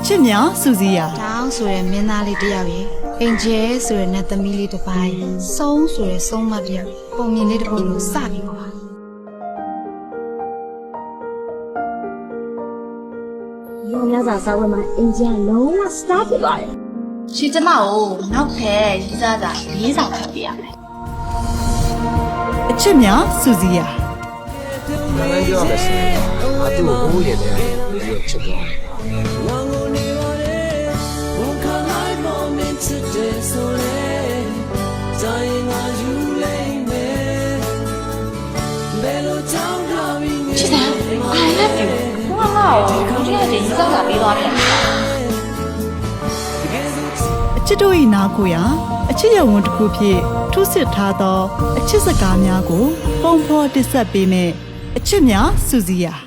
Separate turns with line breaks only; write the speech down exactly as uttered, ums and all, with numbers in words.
ချစ်များစူစီယာ
တောင်းဆိုရဲမင်းသားလေးတယောက်ရေအင်ဂျယ်ဆိုရဲနတ်သမီးလေးတစ်ပိုင်းစုံးဆိုရဲစုံးမတယောက်ပုံမြင်လေးတစ်ပုဒ်လို့စပြီးပါ
ရောများစွာစာဝတ်မှာအင်ဂျင်လုံးဝစတားဖြစ်သွားတယ်
ရှင်ကျမကိုနောက်ထပ်ရေးစားစာလေးဆောင်ဖတ်ပြရမယ်
အချစ်များစူစီယာ
那咱就要个是，他对我无言的，没有吃过。
ချစ်တယ် I love you ဘာမှမဟုတ်ဘူးဒီကတည်းကရေးစားစာပေးသွားတယ်
အချစ်တို့၏နာကိုရာအချစ်ရုံဝန်တစ်ခုဖြင့်ထုစစ်ထားသောအချစ်စကားများကိုပုံဖော်တင်ဆက်ပေးမယ်အချစ်များစူစီယာ